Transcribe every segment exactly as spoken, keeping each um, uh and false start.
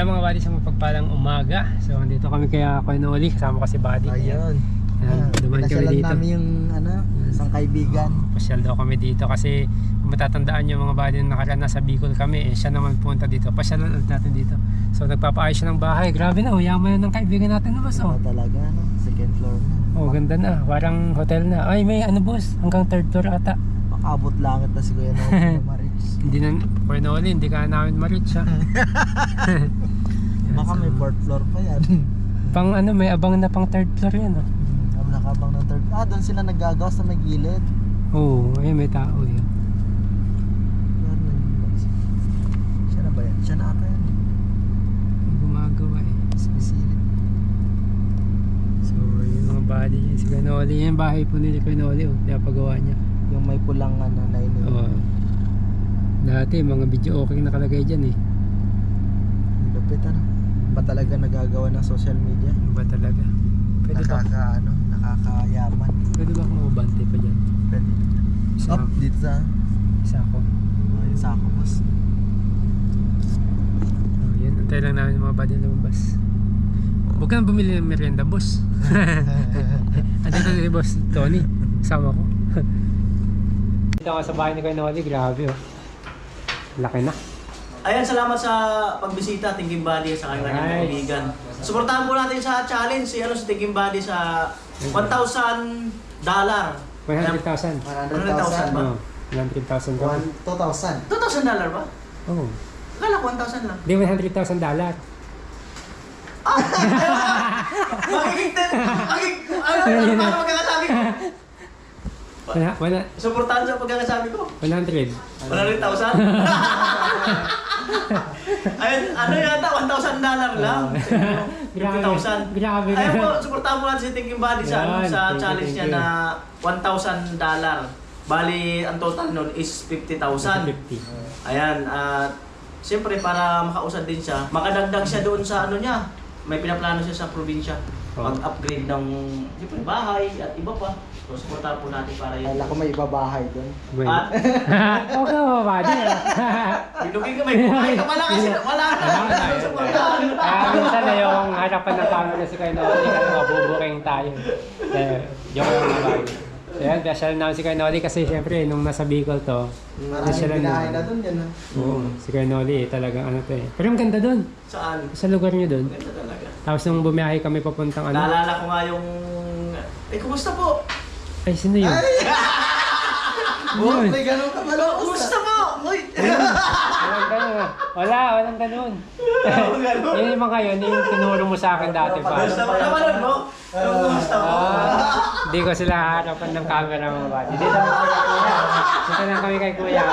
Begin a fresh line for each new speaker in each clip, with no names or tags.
Kaya mga buddy, sa mapagpalang umaga. So dito kami kaya Kuya Noli, kasama ko si buddy.
Ayun.
Ayan, dumaan kami dito.
namin yung ano, isang kaibigan.
Oh, pasyal daw kami dito kasi kung matatandaan nyo mga buddy, nakaraan nasa Bicol kami, eh, siya naman punta dito. Pasyalan ulit natin dito. So nagpapaayos siya ng bahay. Grabe na, oh, yaman na ng kaibigan natin na boss. Oh.
Ano talaga, no? Second floor na.
Oh, ganda na. Parang hotel na. Ay, may ano boss, hanggang third floor ata.
Makabot langit na si Kuya Noli na ma-reach.
Hindi na, Kuya Noli, hindi ka namin ma-reach ha.
Baka may fourth floor pa yan.
Pang ano, may abang na pang third floor yan oh.
Hmm, nakabang ng third. Ah, doon sila naggagawa sa may gilid.
Oo, oh, ayun may tao yun.
Yan, siya na ba yan? Siya na ata yan.
Gumagawa eh.
Sinisilip.
So, yung mga body niya, si Kuya Noli, yung bahay po nila Kuya Noli oh, pinapagawa niya.
Yung may pulang ano, na yun.
Oo. Dati, mga video okay nakalagay dyan eh.
Lupit ano? Ba talaga nagagawa ng social media?
Ano ba talaga? Pwede ba?
Nakaka, ano, nakakayaman.
Pwede ba kung mabante pa dyan?
Pwede.
Isa,
Up, dito sa,
isa ako.
oh, yung sako boss.
So, yun. Antay lang namin yung mga body na lumabas. Huwag ka nang bumili ng merienda, boss. Andito na si boss Tony. Kasama ko. Dito ako sa bahay ni Kuya Noli. Grabe oh. Laki na.
Ayan, salamat sa pagbisita, Thinking Body, sa kanyang
Nice.
kaibigan. Suportahan po natin sa challenge, si, ano, si Thinking Body sa one thousand dollar.
one hundred thousand.
one hundred thousand
ba?
Oo. one hundred thousand ka.
One, two thousand.
two thousand dollar ba?
Oo.
Akala ko one thousand lang.
Hindi, one hundred thousand dollar.
Magiging ten, magiging, ano, ano, ano magkakasabi ko?
Wala, wala.
Suportahan sa pagkakasabi ko.
one hundred.
one hundred thousand? Ayun, ano yata, one thousand dollar lang. fifty thousand.
Grabe.
Ayun po, suportahan po natin si Thinking Body sa, ano,
Yan,
sa
thank you,
challenge
thank
niya
you.
na one thousand dollar. Bali, ang total nun is fifty thousand.
fifty.
Ayan, at siyempre para makausad din siya, makadagdag siya doon sa ano niya. May pinaplano siya sa probinsya.
Oh.
Mag-upgrade ng siyempre, bahay at iba pa. So, suportahan po natin para yun.
Kala ko may ibabahay doon.
Bueno.
At
Okay mo ba? Di ah.
binugin ka, may buhay ka pala kasi wala ka. Suportahan.
Ah, minsan na yung harapan ng camera si Kuya Noli kasi mabubuking tayo. Eh, joke lang mga bagay. So yan, special namin si Kuya Noli kasi siyempre nung nasa Bicol to,
Maraming
special
binahay
lang.
na doon yan.
Oo, si Kuya Noli eh, talagang ano to eh. Pero ang ganda dun,
Saan?
sa lugar niyo dun.
Ganda talaga.
Tapos nung bumiyahe kami papuntang ano,
Naalala ko nga yung... Eh, kumusta po?
ay sino yun?
Ay!
Yun.
May ganun ka pala.
Kumusta po? Uy!
Walang ganun. Wala, walang ganun. Yun yung mga yun, yung tinuro mo sa akin dati pa.
Kumusta po naman mo? Kumusta po?
Ah, Hindi ko sila harapan ng camera mga bati. Dito lang kami kay Kuya. Dito lang kami kay Kuya.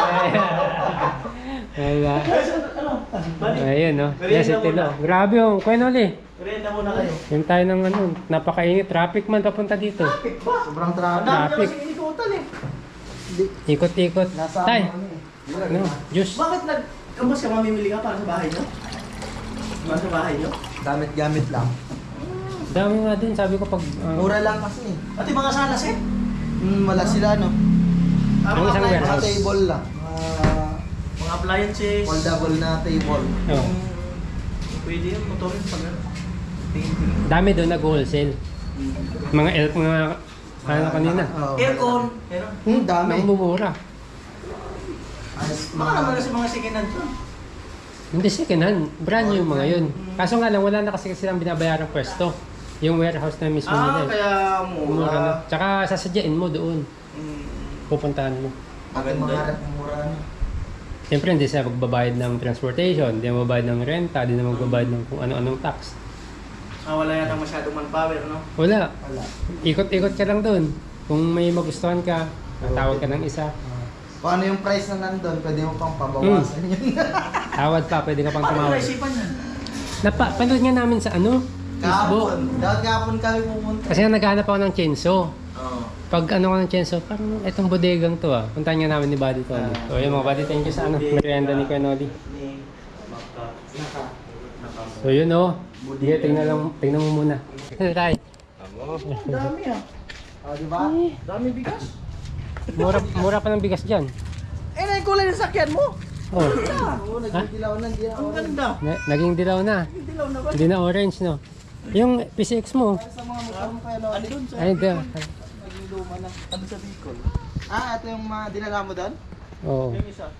Wala. Ayun no. Yes, ito lo. Grabe yung Kuya Noli.
Merienda muna kayo.
Yung tayo ng ano, napakainit. Traffic man papunta dito.
Traffic ba?
Sobrang
Ang
traffic.
dami nyo
Traffic.
kasi inikutan eh.
Ikot-ikot.
Nasa
Tay,
ano eh.
no, juice.
Bakit nag... Kamas ka mamimili ka para sa bahay nyo? Para sa bahay nyo?
Gamit-gamit lang.
Dami nga din, sabi ko pag... ah,
Mura lang kasi.
Pati mga salas eh.
Hmm, wala sila no.
Ah,
Yung
mga
isang
appliances.
Mga
warehouse.
table lang. Mga
Mga appliances.
foldable na table.
oh.
Mm, Pwede yung motorin pag ano. Tingin-tingin.
Dami doon nag-wholesale. Mga elf, mga... Ano kanina?
Oo.
Aircon. Meron.
Hmm, dami.
Namumura.
Ayos,
Baka naman kasi mga second hand to.
Hindi second hand, brand new yung mga yun. Kaso nga lang, wala na kasi silang binabayarang pwesto. Yung warehouse na mismo nila.
Ah,
eh.
kaya
Mura na.
mura.
Tsaka sasadyain mo doon.
Mm,
Pupuntahan mo.
At yung mga harap ng mura na.
Siyempre, hindi sila magbabayad ng transportation, hindi na magbabayad ng renta, hindi na magbabayad ng kung ano-anong tax.
ah, wala yata masyadong manpower, no?
Wala.
Wala.
Ikot-ikot ka lang doon. Kung may magustuhan ka, tawag ka ng isa.
Kung ano yung price na nandun, pwede mo pang pabawasan yun.
Tawad pa, pwede ka pang
Paano
tumawag.
naisipan yan?
Napa, panood nga namin sa ano? Facebook.
Kahapon. Dapat kahapon kami pumunta.
Kasi nga naghahanap ako ng chainsaw.
Oo.
Pag ano ko ng chainsaw, parang itong bodegang to ah. Puntahan nga namin ni Buddy to. Ano. So yun mga Buddy, thank you sa ano, merienda ni Kuya Noli.
Ni Baka.
Naka.
Naka.
So yun oh. Sige, tingnan lang, tingnan mo muna. Tay,
Ang dami ah.
O, di ba?
Dami bigas.
mura, mura pa ng bigas dyan.
Eh, na yung kulay ng sakyan mo.
Oh,
Oo, nagdidilaw na, hindi na
Ang ganda.
na- naging dilaw na.
Dilaw na ba?
Hindi na orange, no? Yung P C X mo.
Sa mga motor mo kaya Lodi.
Ano dun sa...
Ay, da.
Naging luma na.
Ano sa Bicol?
Ah, ito yung mga dinala mo doon?
Oo.
Yung isa.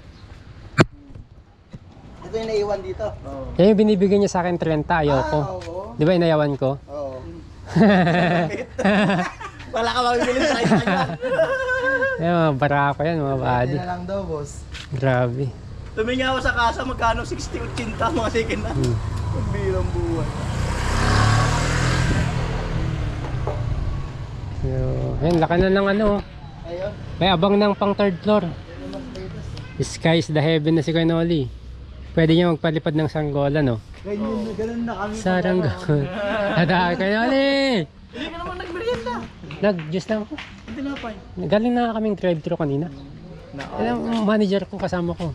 Ito yung naiwan dito.
Oo.
Kaya yung binibigyan niya sa akin thirty, ayoko.
Ah, oo.
Di ba inayawan ko?
Oo.
Wala ka mabibili sa kanya.
Yan, mga barako yan, mga
Pwede
body.
na lang daw, boss.
Grabe.
Tuminga ako sa kasa, magkano sixty eighty mga second na.
Hmm.
Ang birang buwan.
So, ayun, laki na ng ano.
Ayun.
May abang ng pang third floor. Sky is the heaven na si Kuya Noli. Pwede niya magpalipad ng sanggola, no?
Ganyan na, ganun na kami.
Sarang gawin. Tada, Kuya Noli!
Hindi ka naman nagmerienda.
Nag-juice lang ako.
Hindi na pa.
Galing na kaming drive-thru kanina. Alam, manager ko kasama ko.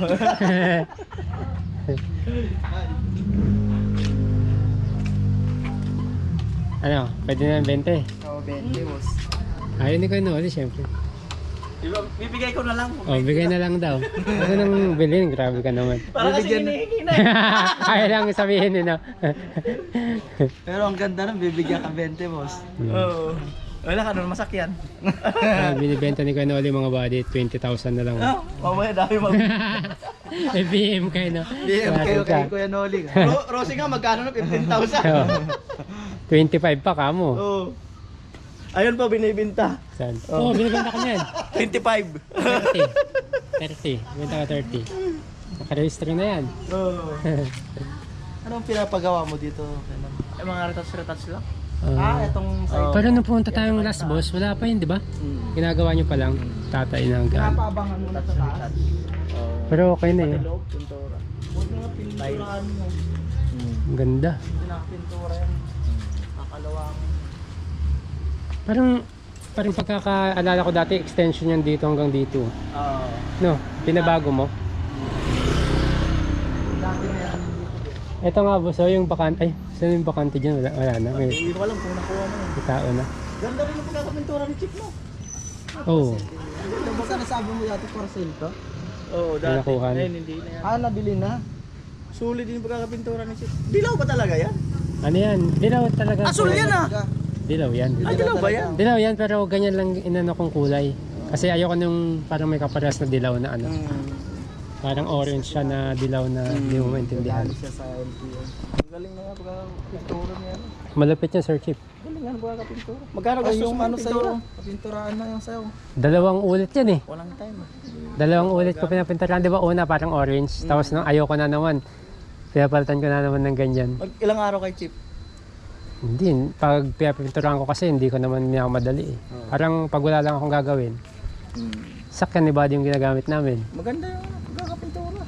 Ano, pwede na ng twenty.
Oo, twenty, boss.
Ayun ni Kuya Noli, syempre.
Diba, bibigay ko na lang.
Oh, bigay na lang daw. Ako nang bilhin, grabe ka naman.
Para kasi
Bibigyan na.
hinihingi na. eh.
Ayaw lang sabihin nila.
Pero ang ganda nun, bibigyan ka twenty, boss.
Oo. Wala ka nun, masakyan.
Ah, binibenta ni Kuya Noli mga body, twenty thousand na lang.
Ah, mamaya dami mag...
May B M kayo, no?
B M kayo
Grabe ka.
kay Kuya Noli.
Ro Rosie nga, magkano na? fifteen thousand.
Oo. twenty-five pa ka mo.
Oo. Ayun pa, binibinta.
Saan? Oo, oh, binibenta ka niyan.
twenty-five.
thirty. thirty. Binibenta ka thirty. Nakaregister na yan.
Oo.
Anong pinapagawa mo dito?
Ay, mga retouch-retouch lang.
Ah,
Ah,
itong
Oo.
pero nung pumunta tayong last boss, wala pa yun, di ba? Ginagawa nyo pa lang. Tatay na hanggang.
pinapaabangan mo na sa taas.
Pero okay na yun.
Loob, pintura.
Huwag nga pinturaan mo.
Ang ganda.
Pinakapintura yan. Kakalawang.
Parang, parang pagkakaalala ko dati, extension yan dito hanggang dito.
Oo.
No, pinabago mo.
Dati na yan.
Ito nga boss, oh, yung bakante. Ay, saan yung bakante dyan? Wala, wala na. May,
Hindi ko alam kung nakuha mo yun.
may tao na.
Ganda rin yung pagkakapintura ni Chip, no?
Oo.
Ito ba nasabi mo dati parcel to?
Oo,
dati. nakuha na.
Ngayon, hindi na yan.
Ah, nabili na.
Sulit din yung pagkakapintura ni Chip. Dilaw ba talaga yan?
Ano yan? Dilaw talaga.
Asul yan ah!
Dilaw yan.
Ah, dilaw ba yan?
Dilaw yan, pero ganyan lang inano kong kulay. Kasi ayoko nung parang may kaparas na dilaw na ano.
Hmm.
Parang orange siya na dilaw na hindi mo maintindihan.
Dali siya sa L T O. Ang galing na nga pagkakapintura niya.
Malapit yan, Sir Chip.
Galing nga pagkakapintura. Magkano
Ay,
gastos
yung
mo
ano sa'yo?
pintura?
Pinturaan na yung sa'yo.
Dalawang ulit yan eh.
Walang time.
Dalawang ulit ko pinapinturahan. Di ba una parang orange, tapos nung ayoko na naman. Pinapalitan ko na naman ng ganyan.
Mag ilang araw kay Chip?
Hindi, pag pinapinturahan ko kasi hindi ko naman niya madali eh. Parang pag wala lang akong gagawin, sakyan ni body yung ginagamit namin.
Maganda yung pagkakapintura.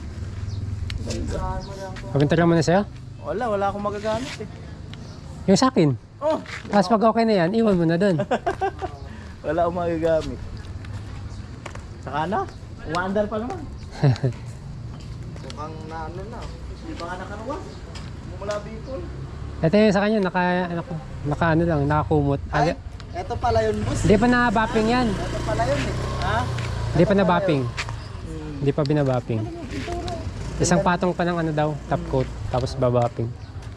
Papinturahan mo na sa'yo?
Wala, wala akong magagamit eh.
Yung sa akin.
Oh!
Tapos pag okay na yan, iwan mo na doon.
Wala akong magagamit. Saka na, umaandar pa naman.
Mukhang na ano na.
Hindi ba nga nakaruwa? Mumula Bicol.
Ito yung sa kanya, naka, naka, naka ano lang, nakakumot.
Ay,
Aga-
eto pala yun, boss.
Hindi pa na-bapping yan.
Eto pala yun eh.
Ha?
Hindi pa na-bapping. Hindi pa binabapping. Isang patong pa ng ano daw, top coat, tapos babapping.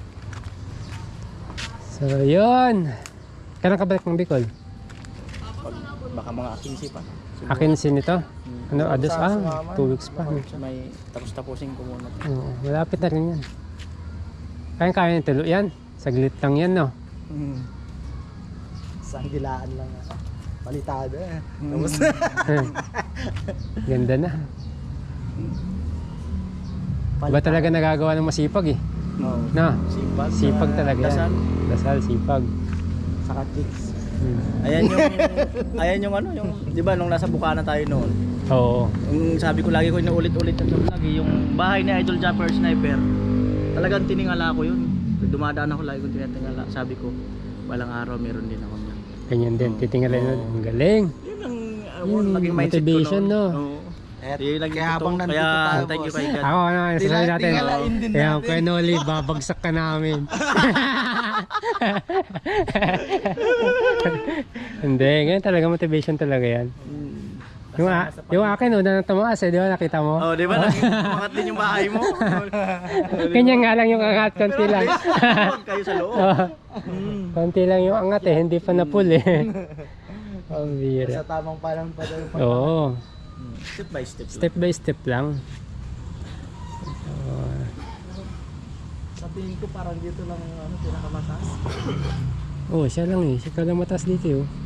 So, yun. Kailan ka balik ng Bicol?
Pag, baka mga quince pa.
Akin sin ito. Ano, ados, ah, two weeks pa.
May tapos-tapusin ko muna.
Oo, malapit na rin yan. Kaya kaya ng tulo yan. Saglit lang yan, no?
Hmm.
Isang dilaan lang. ah. Palitada eh. Tapos,
Ganda na. Iba talaga nagagawa ng masipag eh.
No.
Na,
Sipag.
sipag
saka
talaga yan.
dasal.
Dasal, sipag.
saka chicks.
Hmm.
Ayan yung, ayan yung ano, yung, di ba nung nasa Bukana tayo noon,
Oo.
yung sabi ko lagi ko inuulit-ulit na lagi, yung bahay ni Idol Jumper Sniper, talagang tiningala ko yun. Dumadaan ako lagi kong tinatingala, sabi ko, walang araw meron din ako niyan.
Ganyan din. Titingnan nun. Ang galing.
Yun ang uh,
Yun,
naging mindset
motivation,
ko
no?
noon. Oo.
Et,
Yun lang
kaya
yung
habang
totoo.
nandito
Kaya
tayo,
thank you
boss.
kay God.
Ako, ano, sasabihin natin.
Tingalain din
Kaya,
natin.
Kuya Noli, babagsak ka namin. Hindi, ganyan talaga, motivation talaga yan.
Hmm.
Yung, a- yung akin, una nang tumaas eh, di ba? Nakita mo?
Oh, di ba? Umangat din yung bahay mo.
Ganyan nga lang yung angat, konti lang.
Huwag kayo sa loob.
Oo.
Mm.
Konti lang yung angat eh, hindi pa na full eh. Ang bira.
Sa tamang pa lang pa daw yung
Oo.
Step by step.
Step by step lang. Oo.
Sa tingin ko parang dito lang ano, pinakamataas.
Oh, siya lang eh. Siya lang mataas dito eh. Oh.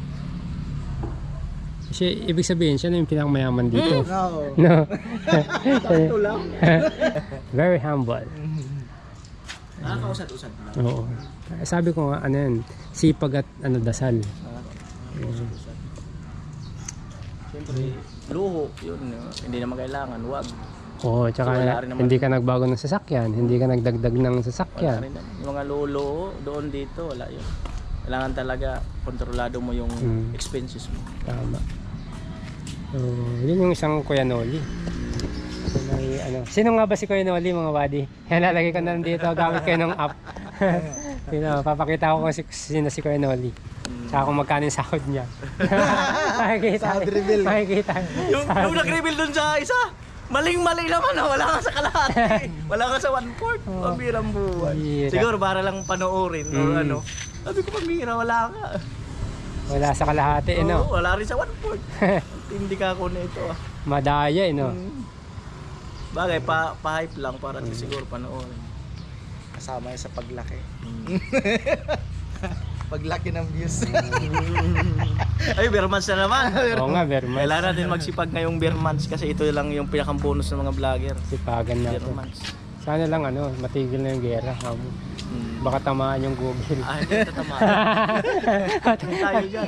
Siya, ibig sabihin, siya na yung pinakamayaman dito.
No.
No.
Ito lang.
Very humble.
Nakakausat-usat lang.
Oo. Sabi ko nga, ano yan, sipag at ano, dasal.
Nakakausat-usat. Siyempre, luho. Yun, uh, hindi naman kailangan. Huwag.
Oo, tsaka
So, wala rin naman-
hindi ka nagbago ng sasakyan, hindi ka nagdagdag ng
Wala
sasakyan.
rin naman. Yung mga luho doon dito, wala yun. Kailangan talaga kontrolado mo yung
Mm.
expenses mo.
Tama. So, yun yung isang Kuya Noli. So, may, ano, sino nga ba si Kuya Noli, mga buddy? Yan, lalagay ko na lang dito gamit kayo ng app. Sino, papakita ko kung si, sino si Kuya Noli. Saka kung magkano yung sahod niya. Makikita.
Sahod reveal.
Makikita.
Yung, yung nag-reveal doon sa isa, maling-mali naman ha, wala ka sa kalahati. Wala ka sa one-fourth.
Oh.
Pambirang buwan.
Bira.
Siguro para lang panoorin o
Mm.
ano. Sabi ko, pambira, wala ka.
Wala sa kalahati, eh, no?
Oo, wala rin sa one-fourth. Hindi ka ako nito ah.
Madaya, eh, no?
Mm. Bagay, pa, pa-hype lang para mm. siguro panoorin.
Kasama yun sa paglaki. Paglaki ng views.
Ay, beer months na naman.
Oo nga, very much.
Kailangan natin magsipag ngayong beer months kasi ito lang yung pinakang bonus ng mga vlogger.
Sipagan
Beer
natin.
months.
Sana lang, ano, matigil na yung gera. Um,
Mm.
baka tamaan yung Google.
Ah, hindi tatama. Tayo dyan.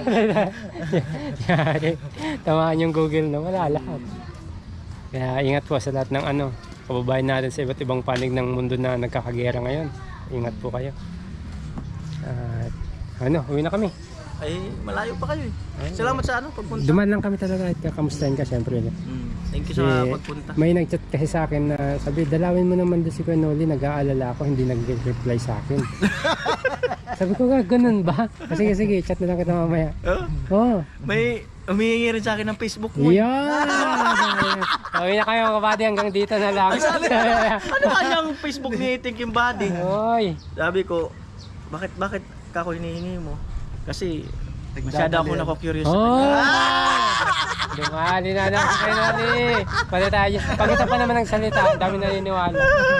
Yari, tamaan yung Google na wala lahat. Kaya ingat po sa lahat ng ano, kababayan natin sa iba't ibang panig ng mundo na nagkakagera ngayon. Ingat po kayo. At ano, uwi na kami.
Ay, malayo pa kayo eh. Salamat sa ano, pagpunta.
Duman lang kami talaga at kakamustahin ka syempre.
Mm. Thank you sa
Eh,
pagpunta.
May nag-chat kasi sa akin na sabi, dalawin mo naman doon si Kuya Noli, nag-aalala ako, hindi nag-reply sa akin. Sabi ko, "Ga- ganun ba? Sige, sige, chat na lang kita mamaya."
Oh,
Oh,
may humihingi rin sa akin ng Facebook mo. eh.
yan! Uwi na kayo mga kabady, hanggang dito na lang.
Ano kanyang Facebook ni Thinking Body?
Oy,
Sabi ko, bakit bakit ka ako hinihingi mo? Kasi masyado ako nako-curious sa
oh!
kanya.
Dumali na lang si Kuya Noli. Pala tayo. Pagkita pa naman ng salita, ang dami naniniwala.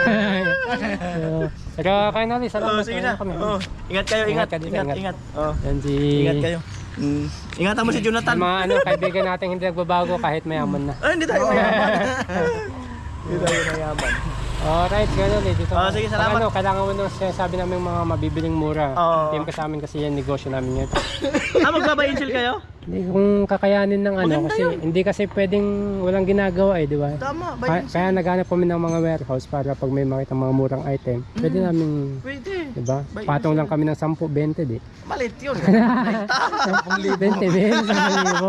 So, pero Kuya Noli,
Oh,
salamat.
sige
Uwi
na.
kami.
Oh, ingat kayo, ingat.
Ingat ka dito,
Ingat,
ingat.
ingat. Oh,
Yan si...
ingat kayo. Mm. Ingatan mo si Jonathan.
Yung mga ano, kaibigan natin hindi nagbabago kahit mayaman na.
Ay, hindi tayo mayaman. Hindi tayo mayaman.
Alright, gano'n eh. Dito.
Oh, sige, salamat.
Pag ano, kailangan mo nung sinasabi namin mga mabibiling mura.
Oo.
Team ka sa amin kasi yan, negosyo namin yan.
Ah, magbaba-angel kayo?
Hindi kung kakayanin ng ano,
Maganda
kasi
yun.
hindi kasi pwedeng walang ginagawa eh, di ba?
Tama, buy
Kaya,
angel.
kaya naghanap kami ng mga warehouse para pag may makita mga murang item, pwede namin,
Pwede.
di ba?
Buy
Patong lang kami ng ten, twenty di.
Malit yun.
twenty mil, ten libo.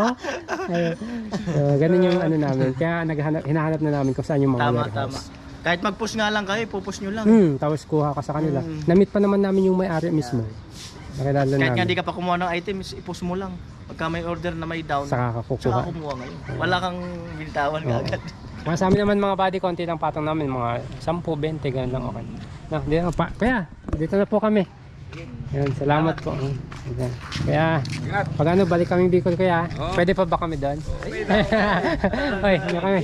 So, ganun yung ano namin. Kaya naghanap, hinahanap na namin kung saan yung mga
Tama,
warehouse.
tama. Kahit mag-push nga lang kayo, pupush nyo lang.
Hmm, tapos kuha ka sa kanila.
Mm.
Na-meet pa naman namin yung may-ari mismo. Nakilala
Kahit nga
namin.
di ka pa kumuha ng items, i-push mo lang. Pagka may order na may down,
Saka ka
tsaka
kukuha.
kumuha ngayon. Wala kang bintawan
Oo.
agad.
Mga sa amin naman mga body, konti lang patong namin. Mga ten, twenty, ganun lang okay. No, dito na pa. Kaya, dito na po kami. Yan, salamat po. Yan. Kaya, pag ano, balik kami Bicol kaya, pwede pa ba kami doon? Hoy, ano kami?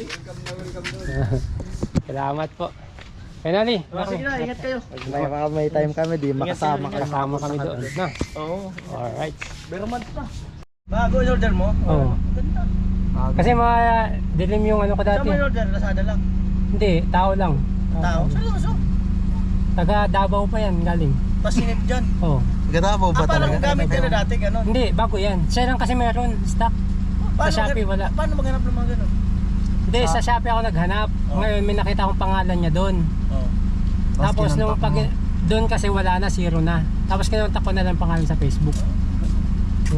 Salamat po. Kaya Noli,
Oh, sige na, ingat kayo.
May, mga may time kami, di makasama
Ingat,
ka.
kasama kami doon. No?
Oo.
Alright.
Pero month pa. Bago in order mo?
Oo.
Ganda.
Kasi mga dilim yung ano ko
Saan
dati.
mo in order? Lazada lang.
Hindi, tao lang.
Tao? Seryoso?
Taga Davao pa yan galing.
Pasinip dyan.
Oh.
Ganda mo
Ah,
ba
parang
talaga?
gamit ka na dati, gano'n.
Hindi, bago yan. Siya lang kasi meron stock.
Paano
Shopee,
mag-
wala.
Paano maghanap ng mga gano'n?
Hindi, sa Shopee ako naghanap.
Oh.
Ngayon may nakita akong pangalan niya doon.
Oo.
Tapos
kinontak
nung pag
mo.
doon kasi wala na, zero na. Tapos kinontak ko na lang pangalan sa Facebook. So,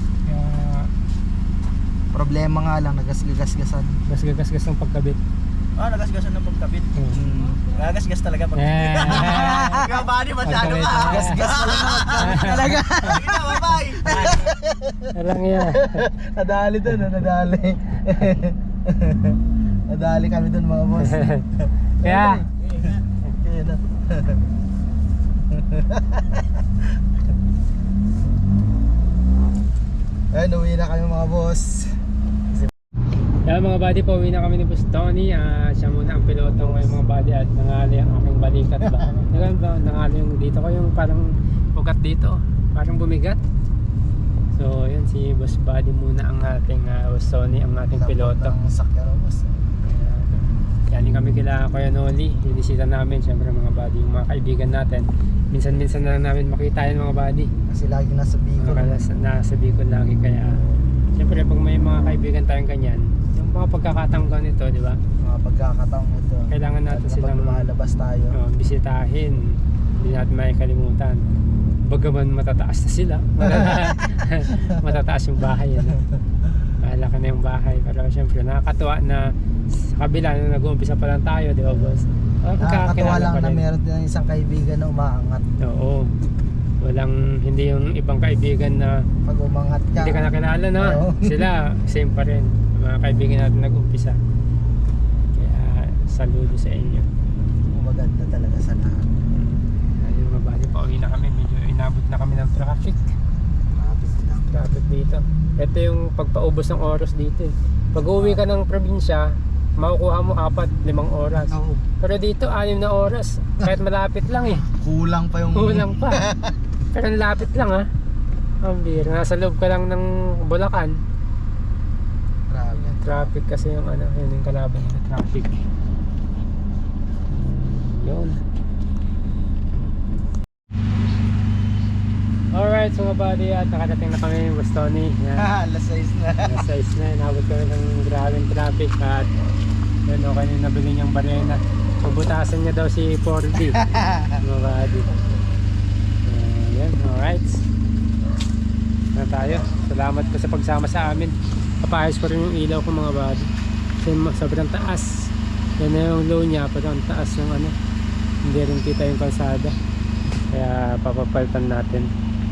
kaya
Problema nga lang, nagasgasgasan.
gas-gas-gas ng pagkabit.
Ah, nagasgasan ng pagkabit.
Hmm.
Nagasgas talaga pag
Eh.
Ikaw ba, di masyado ka?
Pagkabit, ah.
Gasgas pala naman talaga. Sige na, bye-bye.
Alang yan.
Nadali dun, oh, nadali. Nadali kami dun mga boss.
Kaya,
Kaya na. Ayun, uwi na kami mga boss.
kaya mga buddy, pauwi na kami ni Boss Tony. Ah, siya muna ang piloto ngayon mga buddy at nangali ang aking balikat ba. Ngayon ba, nangali yung dito ko yung parang ugat dito, parang bumigat. So yun, si Boss Buddy muna ang ating uh, Boss Tony, ang ating piloto.
Ang sakyan ng boss.
Galing kami kila Kuya Noli, binisita namin syempre mga buddy, yung mga kaibigan natin. Minsan-minsan na lang namin makita yun mga buddy.
Kasi lagi nasa Bicol.
Mga nasa, nasa Bicol lagi, kaya syempre pag may mga kaibigan tayong ganyan, yung mga pagkakataong ganito, di ba?
Mga pagkakataong ito.
Kailangan natin
Lalo na
silang
pag lumalabas tayo.
oh, bisitahin. Hindi natin may kalimutan. Bagaman matataas na sila. Matataas yung bahay. Ano? Malaki na yung bahay. Pero syempre nakakatuwa na sa kabila nung nag-uumpisa pa lang tayo, di ba boss? Oh,
Nakakatawa lang na meron din isang kaibigan na umaangat.
Oo. Walang, hindi yung ibang kaibigan na
Pag umangat ka.
hindi ka nakilala, no?
Oo.
Sila, same pa rin. Mga kaibigan natin nag-umpisa. Kaya saludo sa inyo.
Maganda talaga sa lahat.
Ayun mga buddy, pauwi na kami. Medyo inabot na kami ng traffic.
Lapit lang.
Traffic dito. Ito yung pagpaubos ng oras dito. eh. Pag uwi ka ng probinsya, makukuha mo apat, limang oras.
Oo.
Pero dito, anim na oras. Kahit malapit lang eh.
Kulang pa yung...
Kulang pa. Pero ang lapit lang ha. Ang bira. Nasa loob ka lang ng Bulacan.
Grabe.
Traffic kasi yung ano, yun yung kalaban ng traffic. Yun. Alright, so mga buddy, at nakadating na kami Boss Tony. Yan.
Alas sais na.
Nasa size na, inabot kami ng grabing traffic at yun, okay na yung nabili niyang barena. Pabutasan niya daw si four D. Mga buddy. Uh, yan, alright. Na tayo. Salamat po sa pagsama sa amin. Papayos ko rin yung ilaw ko mga buddy. Kasi sobrang taas. Yan na yung low niya, pero ang taas yung ano. Hindi rin kita yung kalsada. Kaya papapalitan natin.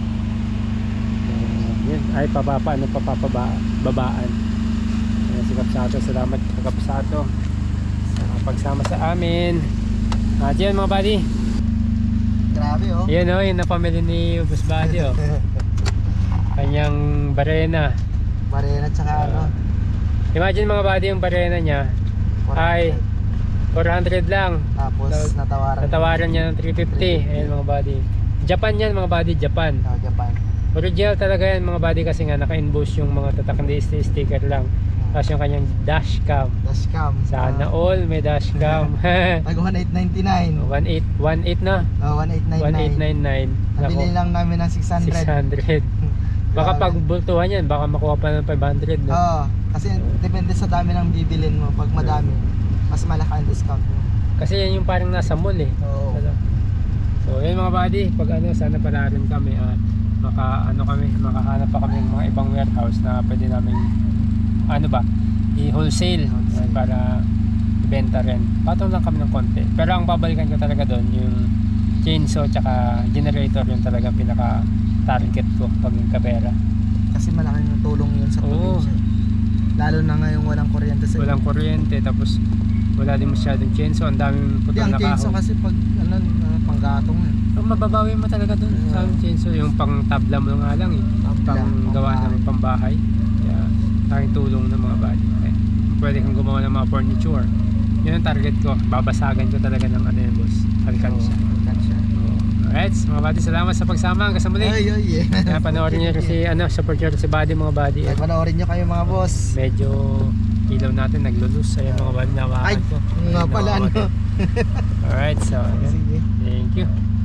Yan. Ay pababa, ano papapabaan. Ayan, si Kapsato, salamat kay Kapsato sa pagsama sa amin. At yan mga buddy,
Grabe oh.
yan o, yung napamili ni Boss Buddy oh. Kanyang barena.
Barena tsaka ano.
Imagine mga buddy, yung barena niya ay four hundred lang.
Tapos natawaran.
Natawaran niya ng three fifty. Ayan mga buddy, Japan yan mga buddy, Japan.
Oh, Japan.
Original talaga yan mga buddy, kasi nga naka-inbox yung mga tatak, hindi sticker lang. Tapos yung kanyang dashcam.
Dashcam.
Sana all may dashcam.
Tag one eight ninety-nine.
one eight one eight na.
Oh, one eight
one eight
ninety-nine.
nine nine.
Nabili lang namin ng six hundred.
six hundred. Baka pag bultuhan yan, baka makuha pa ng five hundred, no?
Oo. Kasi depende sa dami ng bibilin mo. Pag madami, mas malaki ang discount mo.
Kasi yan yung parang nasa mall eh.
Oo.
So yun mga buddy, pag ano, sana pala rin kami at maka ano kami, makahanap pa kami ng mga ibang warehouse na pwede namin ano ba, i-wholesale ay, para ibenta rin. Patong lang kami ng konti. Pero ang babalikan ko talaga doon yung chainsaw tsaka generator, yung talagang pinaka target ko pag yung kapera.
Kasi malaking tulong yun sa
Oo.
probinsya. Lalo na ngayong walang kuryente sa
Walang kuryente, tapos wala din masyadong chainsaw, ang daming
Hindi,
putol
ang
na
chainsaw
kahoy.
kasi pag ano, uh, panggatong eh.
So, mababawi mo talaga doon sa
Yeah.
chainsaw, yung pang tabla mo nga lang eh.
Tabla,
Pang gawa
pangbahay.
ng pambahay. Kaya aking tulong ng mga body. Okay. Pwede kang gumawa ng mga furniture. Yun ang target ko. Babasagan ko talaga ng ano yun boss. Alkansya.
Alkansya.
Alright, mga body, salamat sa pagsama. Hanggang sa muli.
Ay, ay, eh.
Kaya panoorin nyo rin si, ano, support nyo rin si body mga body.
Ay, panoorin nyo kayo mga boss.
Medyo ilaw natin, naglulus. Ayan mga body,
Ay,
nawakan ko.
nga pala ano.
Alright, so, ayan.
Sige.
Thank you.